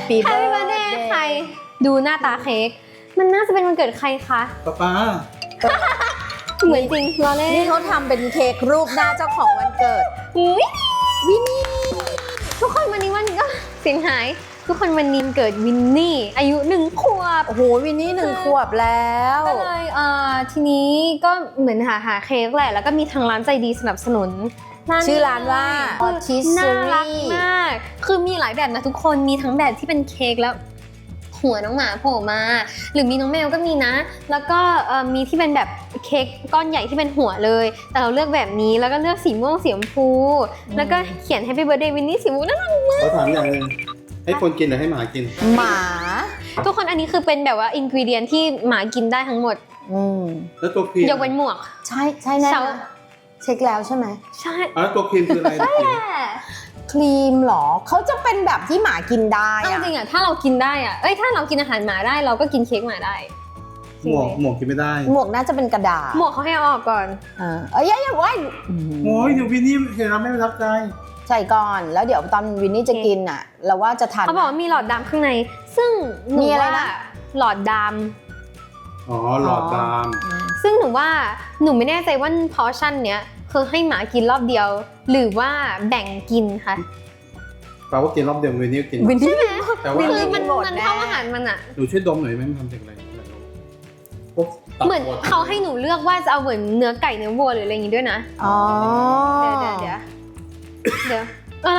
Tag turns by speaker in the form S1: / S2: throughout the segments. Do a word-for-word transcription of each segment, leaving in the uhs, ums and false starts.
S1: Happy
S2: birthday ใครดูหน้าตาเค้กมันน่าจะเป็นวันเกิดใครคะ
S3: ป๊าป๊า
S2: เหมือนจริงรอเล่น
S1: นี่เขาทำเป็นเค้กรูปหน้าเจ้าของวันเกิด
S2: อุ๊ยวินนี่ทุกคนวันนี้วันก็เสียงหายทุกคนวันนี้เกิดวินนี่อายุหนึ่งขวบ
S1: โอ้โหวินนี่หนึ่งขวบแล้ว
S2: ก็เลยเอ่อทีนี้ก็เหมือนหาหาเค้กแหละแล้วก็มีทางร้านใจดีสนับสนุน
S1: ชื่อร้านว่า
S2: น่ารัก
S1: Patisserie
S2: มากคือมีหลายแบบนะทุกคนมีทั้งแบบที่เป็นเค้กแล้วหัวน้องหมาโผล่มาหรือมีน้องแมวก็มีนะแล้วก็เอ่อมีที่เป็นแบบเค้กก้อนใหญ่ที่เป็นหัวเลยแต่เราเลือกแบบนี้แล้วก็เลือกสีม่วงสีชมพูแล้วก็เขียน Happy Birthday วินนี่สีม่วงน่ารักมาก
S3: เขาถามอย่างหนึงให้คนกินหรือให้หมากิน
S1: หมา
S2: ทุกคนอันนี้คือเป็นแบบว่าอินกิวเดียนที่หมากินได้ทั้งหมด
S1: อืม
S3: แล้วตัวครีม
S2: ยกเว้นหมวก
S1: ใช่ใช่แน่
S2: เสา
S1: นะเช็คแล้วใช่ไหม
S2: ใช่
S3: อ่ะตัวครีมคืออะไรตัวครีม
S1: ครีมเหรอเขาจะเป็นแบบที่หมากินได้
S2: เอา
S1: อะ
S2: จริงอะถ้าเรากินได้อะเอ้ยถ้าเรากินอาหารหมาได้เราก็กินเค้กหมาได้
S3: หมวกหมวกกินไม่ได้
S1: หมวกน่าจะเป็นกระดาษ
S2: หมวกเขาให้เอาออกก่อน
S1: เออเอ้ยอย่าอย่าไว้
S3: โอ้ยเดี๋ยววินนี่เห็นแล้วไม่ประทับใจ
S1: ใส่ก่อนแล้วเดี๋ยวตอนวินนี่จะกินอ่ะเราว่าจะทาน
S2: เขาบอกว่ามีหลอดดำข้างใน ซึ่งหนู
S1: มีอะไร
S2: ว่า
S1: นะ
S2: หลอดด
S3: อ๋อหลอดตาม
S2: ำซึ่งหนูว่าหนูไม่แน่ใจว่าพอชั่นเนี้ยคือให้หมากินรอบเดียว หรือว่าแบ่งกินคะ
S3: แปลว่ากินรอบเดียววินนี่กิน
S1: วินนี่
S3: แต่ว่า
S2: คือมัน
S1: หมด
S2: มัน
S1: แน่
S2: เท่าอาหารมันอะ
S3: หนูช่วยดมหน่อยไหมมันทำจากอะไรอะไรรู้พวกตับ
S2: เหมือน
S3: บด
S2: เขาให้หนูเลือกว่าจะเอาเหมือนเนื้อไก่เนื้อวัวหรืออะไรอย่างงี้ด้วยนะ
S1: อ๋อ
S2: เดี๋ยวเดี๋ยวเดี๋ยวเดี๋ยวอะไร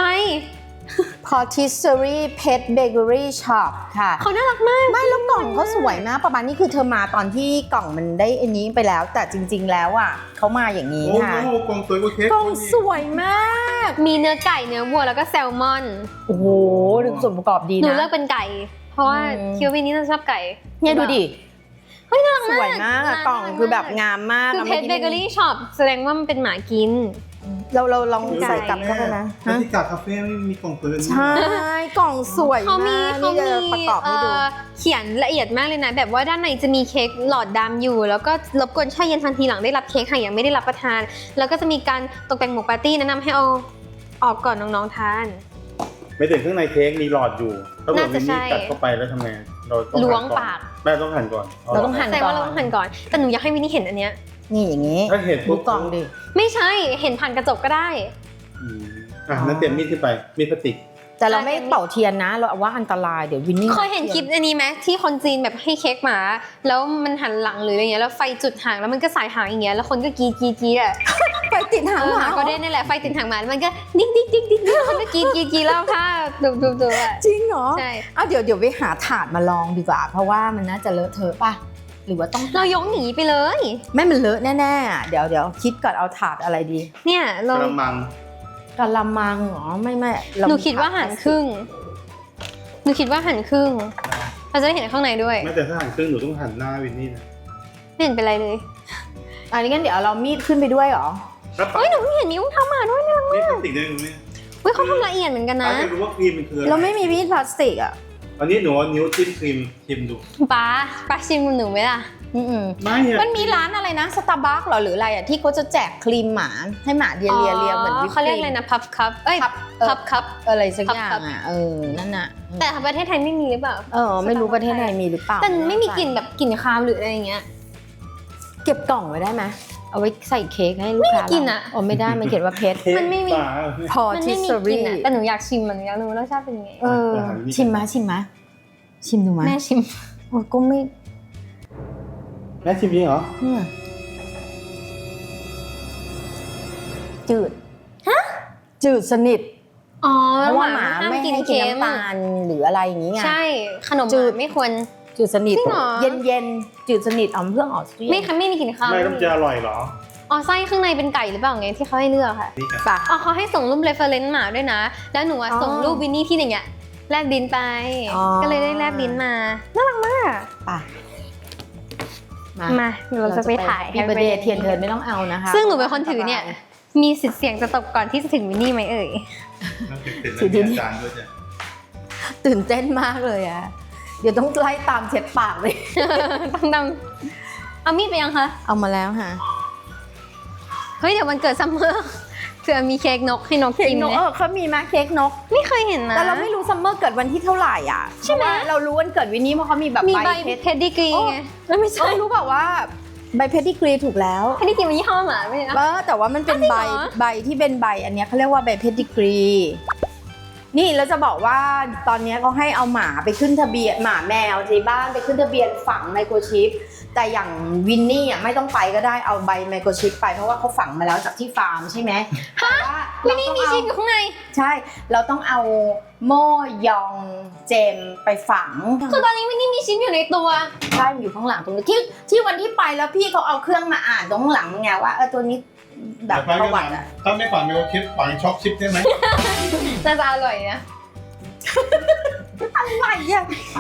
S1: Patisserie Pet Bakery Shop ค่ะ
S2: เขาน่ารักมาก
S1: ไม่แล้วกล่องเขาสวยมากประมาณนี้คือเธอมาตอนที่กล่องมันได้อันนี้ไปแล้ว แต่จริงๆแล้วอ่ะเขามาอย่างนี้
S3: โอ้
S1: ค่ะ
S3: โหกล่องสวยกว่าเค้ก
S1: กล่องสวยมาก
S2: มีเนื้อไก่เนื้อวัวแล้วก็แซลมอน
S1: โอ้โหดูส่วนประกอบดี
S2: หนู
S1: นะ
S2: เลือกเป็นไก่ เพราะว่า
S1: อืม
S2: คิววินนี่น่าจะชอบไก่
S1: เนี่ยดูดิ
S2: เฮ้ยน่ารัก
S1: ส
S2: มาก
S1: วยมากอะ
S2: น่ารัก
S1: กล่องคือแบบงามมาก
S2: คือ
S1: อะ
S2: เพจเบเกอรี่ช็อปแสดงว่ามันเป็นหมากิน
S1: เราเราลอง
S2: ไก่
S1: ใส่กลับเข้าไปนะ
S3: บรรยากาศคาเฟ่ไม่มีกล่องสวยแบบนี้
S1: ใช่กล่องสวย
S2: เขามี
S1: มาก
S2: เขา
S1: นี่
S2: มี
S1: จะประกอบให้ดู
S2: เอ่อเขียนละเอียดมากเลยนะ แบบว่าด้านในจะมีเค้กหลอดดำอยู่ แล้วก็รบกวนแช่เย็นทันทีหลังได้รับเค้กหากยังไม่ได้รับประทาน แล้วก็จะมีการตกแต่งหมวกปาร์ตี้แนะนำให้เอาออกก่อนน้องๆทาน
S3: ไม่ถึงข้างในเค้กมีหลอดอยู่ถ้าเกิด
S2: น่า
S3: วิ
S2: จะ
S3: น
S2: ใช่
S3: นี่กัดเข้าไปแล้วทำไงเราต้อง
S2: ล้วง
S3: หั่นอน
S2: ปาก
S3: แม่ต้องหั่นก่อน
S1: เราต้องหั่น
S2: แสดงว่าเราต้องหั่นก่อน แต่หนูอยากให้วินนี่เห็นอันเนี้ย
S1: นี่อย่างนี้
S3: ถ้าเห็น
S1: ดู
S3: ปุ๊บ
S1: กล่องดิ
S2: ไม่ใช่ เห็นผ่านกระจกก็ได้
S3: อืมอ่ะนั้นเตรียมมีดขึ้นไปมีดพลาสติก
S1: แต่เราไม่เป่าเทียนนะ เราว่าอันตรายเดี๋ยววินนี่
S2: เคยเห็นคลิปอันนี้ไหมที่คนจีนแบบให้เค้กหมา แล้วมันหันหลังหรืออะไรเงี้ยแล้วไฟจุดหางแล้วมันก็สายหางอย่างเงี้ยแล้วคนก็กรีดกรีดกรีดอ่ะ
S1: ไปติดหาง
S2: เออ
S1: ห
S2: ห
S1: มา
S2: มาก็ได้นี่แหละไฟติดหางหมาแล้วมันก็ดิ้งดิ้งดิ้งดิ้งดิ้งคนก็กรีดกรีดกรีดแล้วค่ะดูดูดูอ่ะ
S1: จริงเหรอ
S2: ใช่
S1: อ้าวเดี๋ยวเดี๋ยวไปหาถาดมาลองดีกว่า เพราะว่ามันน่าจะเลอะเทอะป่ะหรือว่าต้อง
S2: เรายกหนีไปเลย
S1: ไม่มันเลอะแน่ๆอ่ะเดี๋ยวเดี๋ยวคิดก่อนเอาถาดอะไรดี
S2: เนี่ยเรา
S3: กระมัง
S1: กะละมังเหรอไม่ไม่เร
S2: หนูคิดว่าหั่นครึ่งหนูคิดว่าหั่นครึ่งเราจะได้เห็นข้างในด้วย
S3: แม้แต่ถ้าหั่นครึ่งหนูต้องหั่นหน้าวินนี่นะ
S2: ไม่เห็นเป็นไรเลย
S1: อันนี้งั้นเดี๋ยวเรามีดขึ้นไปด้วยเหรอ
S3: แล้ว
S2: เฮ้ยหนูเพิ่งเห็นมีอุ้งเท้าหมาด้วยนะ
S3: มีดพลาสติกได้ไหม
S2: เฮ้ยเขาทำละเอียดเหมือนกันนะ
S3: ถ้าจะรู้ว่าครีมมันคืออะไร
S1: เราไม่มีมีดพลาสติกอ่ะ
S3: อันนี้หนูเอานิ้วจิ้มครีมชิมดู
S2: ป้าป้าชิมหนูไหมล่ะ
S1: อืม
S3: ไม่อะ
S1: มันมีร้านอะไรนะสตาร์บัคหรอหรืออะไรอ่ะที่เขาจะแจกครีมหมาให้หมาเลียเลียเลียเหมือนวิปครีม
S2: เขาเรียกอะไรนะพับคัพเอ้ย
S1: พับเออ
S2: พับคัพ
S1: อะไรสักอย่าง
S2: พับ
S1: อ่ะเออนั่นน่ะ
S2: แต่ประเทศไทยไม่มีหรือเปล่า
S1: เออไม่รู้ประเทศไทยมีหรือเปล่า
S2: แต่ไม่มีกลิ่นแบบกลิ่นคาวหรืออะไรอย่างเงี้ย
S1: เก็บกล่องไว้ได้ไหมเอาไว้ใส่เค้กให้ลูกค้า
S2: ไม่มีกลิ่นอะ
S1: อ๋อไม่ได้มันเขียนว่าเพชร
S3: เค้ก
S2: มันไม่มี
S3: ปลา
S1: พอ
S2: มัน
S1: ทิ
S2: ไม่
S1: ส
S2: มี
S1: ซ
S2: กลิ่น
S1: รี
S2: อะแต่หนูอยากชิมมันอยากรู้รสชาติเป็นยังไง
S1: เออชิมมะชิมมะชิมดูมะ
S2: แม่ชิม
S1: โอ้ก็ไม่
S3: แม่ชิมจริงเหรอ
S1: เนี่ยจืดจืดสนิท
S2: อ๋อ
S1: เพราะว่าหมา
S2: ห้
S1: ไม่ให้กินน้ำตาลหรืออะไรอย่างนี้ไง
S2: ใช่ขนม
S1: จื
S2: จื
S1: ด
S2: ดไม่ควร
S1: จืดสนิท
S2: จริงเหรอ
S1: เย็นเย็นๆจืดสนิทเอาเพื่อออกซิเจน
S2: ไม่ค่ะไม่มีกลิ่นคาว
S3: ไม่ต้องจะอร่อยเหรอ
S2: อ๋อไส้ข้างในเป็นไก่หรือเปล่าไงที่เขาให้เลือกค่ะ
S3: นี่กัน
S1: ปะ
S2: อ๋อเขาให้ส่งรูปเรฟเฟอเรนซ์หมาด้วยนะ แล้วหนูอะ
S1: อ๋อ
S2: ส่งรูปวินนี่ที่อย่างเงี้ยแลบลิ้นไป
S1: อ๋อ
S2: ก็เลยได้แลบลิ้นมา น่ารักมาก
S1: ปะ
S2: มาเดี๋ยวเราจะไปถ่าย
S1: พี่เบอร์เดย์เทียนเทินไม่ต้องเอานะคะ
S2: ซึ่งหนูเป็นคนถือเนี่ย มีสิทธิ์เสี่ยงจะตกก่อนที่จะถึงวินนี่ไหมเอ่ย
S3: ต้องเป็นเป็นอาจารย์ด้วยจ้ะ
S1: ตื่นเต้นมากเลยอะเดี๋ยวต้องไล่ตามเช็ดปากเลย
S2: ต้องดำเอามีดไปยังคะ
S1: เอามาแล้วค่ะ
S2: เฮ้ยเดี๋ยววันเกิดซัมเมอร์ผื่อมีเค้กนกให้นก
S1: เค้ก
S2: กิน
S1: นก
S2: ไหม
S1: เออเขามีมาเค้กนก
S2: ไม่เคยเห็นนะ
S1: แต่เราไม่รู้ซัมเมอร์เกิดวันที่เท่าไหร่อ่ะ
S2: ใช่ไหม
S1: เพราะว่าเรารู้วันเกิดวินนี่เพราะเขามีแบบ
S2: มี
S1: ใบ
S2: ใบ
S1: เพชร
S2: เพดดิกรี
S1: โอ้
S2: ไงแล้วไม่
S1: เอ
S2: ใช่
S1: อรู้เปล่าว่าใบเพดดิกรีถูกแล้ว
S2: เพดดิกรีมันยี่ห้อหมาไม่ใช่นะ
S1: เออแต่ว่ามันเป็น
S2: อ้าวจริง
S1: ใบ
S2: เหรอ
S1: ใบที่เป็นใบอันเนี้ยเขาเรียกว่าใบเพดดิกรีนี่แล้วจะบอกว่าตอนเนี้ยเขาให้เอาหมาไปขึ้นทะเบียนหมาแมวที่บ้านไปขึ้นทะเบียนฝังไมโครชิปแต่อย่างวินนี่อ่ะไม่ต้องไปก็ได้เอาใบไมโครชิปไปเพราะว่าเขาฝังมาแล้วจากที่ฟาร์มใช่ไหมแต่ว่า
S2: วิ
S1: เรา
S2: นนี่
S1: ต้อง
S2: มี
S1: เอา
S2: ชิปอยู่ข้างใน
S1: ใช่ เราต้องเอาโม่ยองเจมไปฝัง
S2: คือตอนนี้วินนี่มีชิปอยู่ในตัว
S1: ใช่มันอยู่ข้างหลังตรงนี้ที่ที่วันที่ไปแล้วพี่เขาเอาเครื่องมาอ่านตรงข้างหลังไงว่าเออตัวนี้แบบประวัติอะ
S3: ถ้าไม่ฝังไมโครชิปฝังช็อกชิปได้ไหม
S2: น่าจะอร่อยนะ
S1: อะไรอะ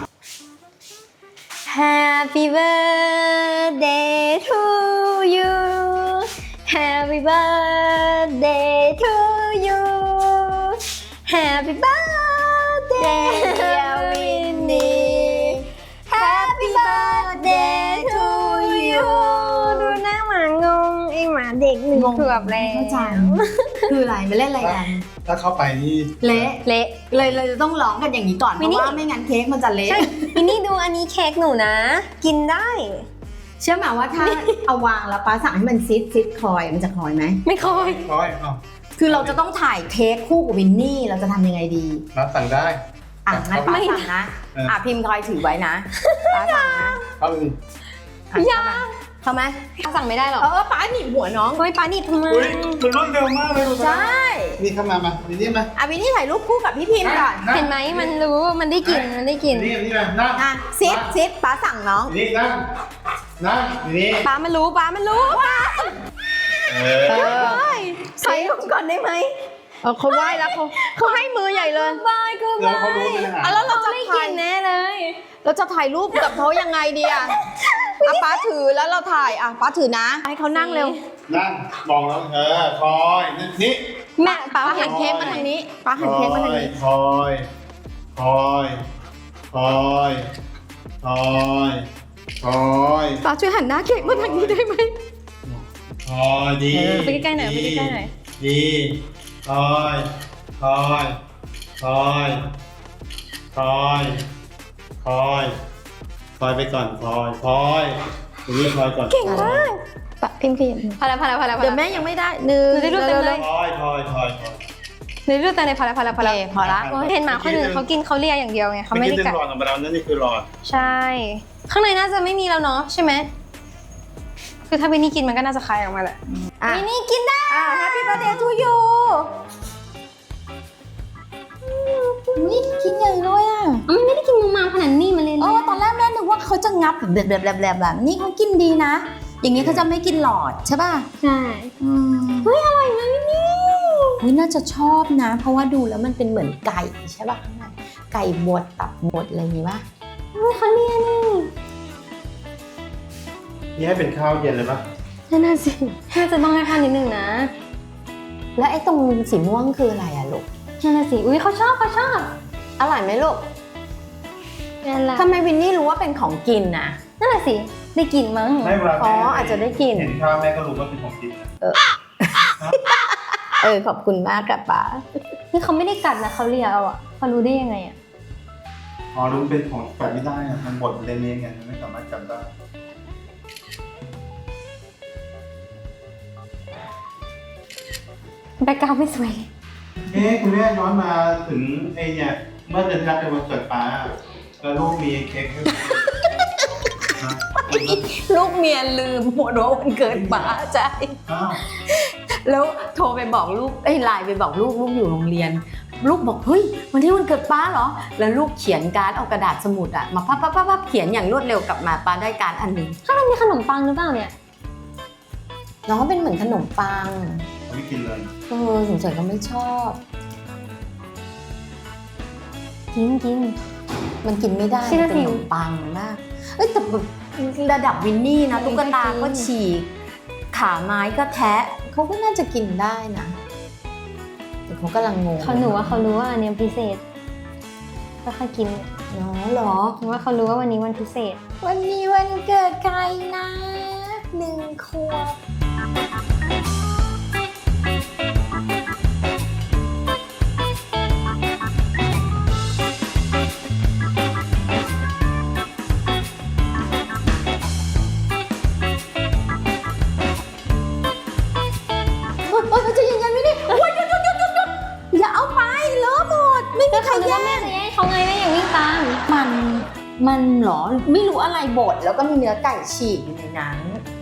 S2: Happy birthday to you Happy birthday to you Happy birthday
S1: dear Winnie
S2: Happy birthday to you ดูหน้าหมางงไอหมาเด็กหนึ่งขวบแล้ว
S1: เข้าใจคืออะไรมาเล่นอะไรกัน
S3: ถ้าเข้าไปนี่
S1: เละ
S2: เละ
S1: เลยเลยจะต้องร้องกันอย่างนี้ก่อนเพ
S2: วินนี่
S1: ราะว่าไม่งั้นเค้กมันจะเละ
S2: ใช่วินนี่ดูอันนี้เค้กหนูนะ กินได้
S1: เชื่อไหมว่าถ้าเอาวางแล้วป้าสั่งให้มันซิดซิดคอยมันจะคอยไหม
S2: ไม่ค่อย
S3: ร้อยอ้าว
S1: คือเราจะต้องถ่ายเค้กคู่กับวินนี่เราจะทำยังไงดี
S3: นัดสั่งได้
S1: อ่ะงั้นป้าสั่งนะ
S3: เอออ่
S1: อ่ะพิมพ์คอยถือไว้นะป้าสั่งนะ
S3: เข้าไปดิ
S1: อ่ะเข้ามาเข้าไหม
S2: สั่งไม่ได้หรอ
S1: เออป้าหนีบหัวน้อง
S2: เฮ้ยปานิดทำไม
S3: อุ้ยมันรวดเร็วมากเลยดู
S1: ใช่
S3: นี่เข้ามามานี่นี่มา
S1: อ่ะวินนี่ถ่ายรูปคู่กับพี่พิมพ์ก่อน
S2: เห็นไหมมันรู้มันได้กลิ่นมันได้กลิ่น
S3: นี่นี่มานั่ง
S1: อ่ะซิดซิดป้าสั่งน้อง
S3: นี่นั่งนั่งนี่
S1: ป้ามันรู้ป้ามันรู้ป้า
S3: เอ
S1: เอ
S3: อ
S1: อถ่ายรูปก่อนได้ไหมเออเขาไหว้แล้วเขาเขาให้มือใหญ่เลย
S2: บายกู
S3: เดี๋ยวเขารู้เป็นอาหาร
S1: อ่ะแล้วเราจะ
S2: ได้ก
S1: ถ่า
S2: ลิ่
S1: ย
S2: นแน่เลย
S1: เราจะถ่ายรูปกับเขายังไงดีอ่ะอ่ะป้าถือแล้วเราถ่ายอ่ะป้าถือนะ ให้เขานั่งเร็ว
S3: นั่งมองแล้วเออคอยนี่นี่
S2: แม่ป้า
S1: ป้า
S2: เห็
S1: หั
S2: น
S1: น
S2: เค้
S1: เค้
S2: ก
S1: ก
S2: มั
S1: มาน ทา
S2: ทาง งนี้
S1: นี้ป้าหันเค้กมาทางนี้
S3: คอยคอยคอยคอยคอย
S1: ป้าช่วยหันหน้าเค้กมาทางนี้ได้ไหม
S3: คอยดี
S2: ไปใกล้ๆหน่อยไปใกล้ๆหน่อย
S3: ดีคอยคอยคอยคอยคอยคอยไปก่อนคอยคอยตรงนี้คอยก่อน
S1: เก่งมากป้าพิมพ์ขยับ
S2: พาแล้วพาแล้วพาแล้ว
S1: เดี๋ยวแม่ยังไม่ได้หนึ่ง
S2: หนูได้รูปเต็มเลย
S3: คอยคอยคอยคอย
S2: ในรูปแต่ในพาแล้วพาแล้วพาแล้ว
S1: โอเคพอละ
S2: เห็นหมาคนอื่นเขากินเขาเลียอย่างเดียวไงเขาไม่ได้
S3: เมื่อ
S2: กัด
S3: หลอดของเรานั่นนี่คือหลอด
S2: ใช่ ข้างในน่าจะไม่มีแล้วเนาะใช่ไหมคือถ้าวินนี่กินมันก็น่าจะคายออกมาแหละ
S1: อ่ะ
S2: วินนี่กินได้
S1: อ่ะ Happy birthday to you นี่คิดใหญ่เลยอ่ะ
S2: มันไม่ได้กินมูมาขนาดนี้มาเลย
S1: เออตอนแรกแม่นึกว่าเขาจะงับแบบแบบแบบแบบแบบนี่เขากินดีนะ อย่างเงี้ยเขาจะไม่กินหลอดใช่ป่ะ
S2: ใช่
S1: อืม
S2: เฮ้ยอร่อยนะวินนี่
S1: อุ๊ยน่าจะชอบนะ เพราะว่าดูแล้วมันเป็นเหมือนไก่ใช่ป่ะข้างในไก่บดตับบดอะไรอย่างงี้ป่ะ
S2: เฮ้ยเขาเลียนี่
S3: นี่ให้เป็นข้าวเย็นเลยปะ
S2: นั่นน่ะสิน่าจะต้องให้ทานนิดนึงนะ
S1: แล้วไอ้ตรงสีม่วงคืออะไรอะลูก
S2: นั่นน่ะสิอุ้ยเขาชอบเขาชอบ
S1: อร่อยไหมลูก
S2: นั่นแหละ
S1: ทำไมวินนี่รู้ว่าเป็นของกินนะ
S2: นั่นน่ะสิได้กลิ่นมั้ง
S3: ไม่เวลา
S1: อ๋ออาจจะได้กิน
S3: เห็นข้าวแม่ก็รู้ว่าเป็นของกินนะ
S1: เออขอบคุณมากกับป้า
S2: นี่เขาไม่ได้กัดนะเขาเลียเอาอะเขารู้ได้ยังไงอะ
S3: อ๋อรู้เป็นของแปะไม่ได้อะมันบดเละๆไงมันไม่สามารถจำได้
S2: แบ็คกราวด์ไม่สวย
S3: เอ๊ะคุณแม่ย้อนมาถึงไอ้เนี่ยเมื่อเดือนที่แล้วเป็นวันเกิดป้าแล้วลูกมีเค้กให้
S1: ลูกเมียลืมหมดว่าวันเกิดป้าใช่
S3: อ้าว
S1: แล้วโทรไปบอกลูกเอ้ยไลน์ไปบอกลูกลูกอยู่โรงเรียน ลูกบอกเฮ้ยวันที่วันเกิดป้าเหรอ แล้วลูกเขียนการ์ดเอากระดาษสมุดอะมาพับพับพับพับเขียนอย่างรวดเร็วกลับมาป้าได้การ์ดอันหนึ่ง
S2: ถ้ามันมีขนมปังหรือเปล่าเนี่ย
S1: น้องว่าเป็นเหมือนขนมปัง
S3: ไม่กินเลย
S1: เออสงสัยเขาไม่ชอบ
S2: กินกิน
S1: มันกินไม่ได้
S2: ใช่
S1: มันเป็น
S2: สิ
S1: ขนมปังมากเอ้ยแต่แบบระดับวินนี่นะตุ๊กตาก็ฉีกขาไม้ก็แทะเขาก็น่าจะกินได้นะแต่เขากำลังงง
S2: เขาหนูว่าเขารู้ว่าอันเนี้ยพิเศษก็ค่อยกิน
S1: เนาะเหรอ
S2: หนูว่าเขารู้ว่าวันนี้วันพิเศษ
S1: วันนี้วันเกิดใครนะหนึ่งขวบมันมันเหรอไม่รู้อะไรบดแล้วก็มีเนื้อไก่ฉีกอยู่ในนั้น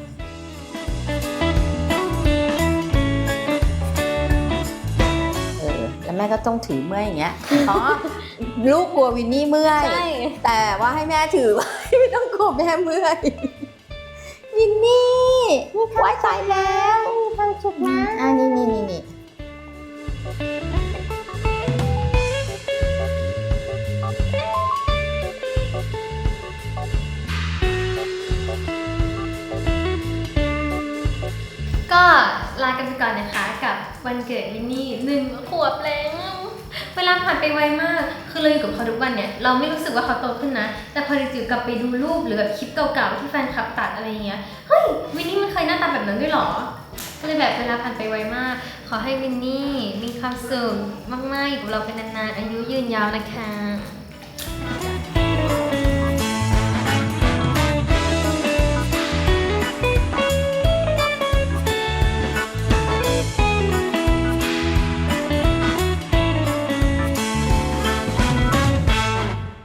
S1: เออแล้วแม่ก็ต้องถือเมื่อยอย่างเงี้ยอ๋อลูกกลัววินนี่เมื่อย
S2: ใช่
S1: แต่ว่าให้แม่ถือไว้ ไม่ต้องกลัวแม่เมื่อยวินนี่ไว้ตายแล้วมีความสุขนะอ่านี่นี่นี่นี่
S2: ก็ลากันไปก่อนนะคะกับวันเกิดวินนี่หนึ่งขวบแล้วเวลาผ่านไปไวมากคือเราอยู่กับเขาทุกวันเนี่ยเราไม่รู้สึกว่าเขาโตขึ้นนะแต่พอจิ๋วกลับไปดูรูปหรือแบบคลิปเก่าๆที่แฟนคลับตัดอะไรเงี้ยเฮ้ยวินนี่มันเคยหน้าตาแบบนั้นด้วยเหรอก็เลยแบบเวลาผ่านไปไวมากขอให้วินนี่มีความสุขมากๆอยู่กับเราเป็นนานๆอายุยืนยาวนะคะ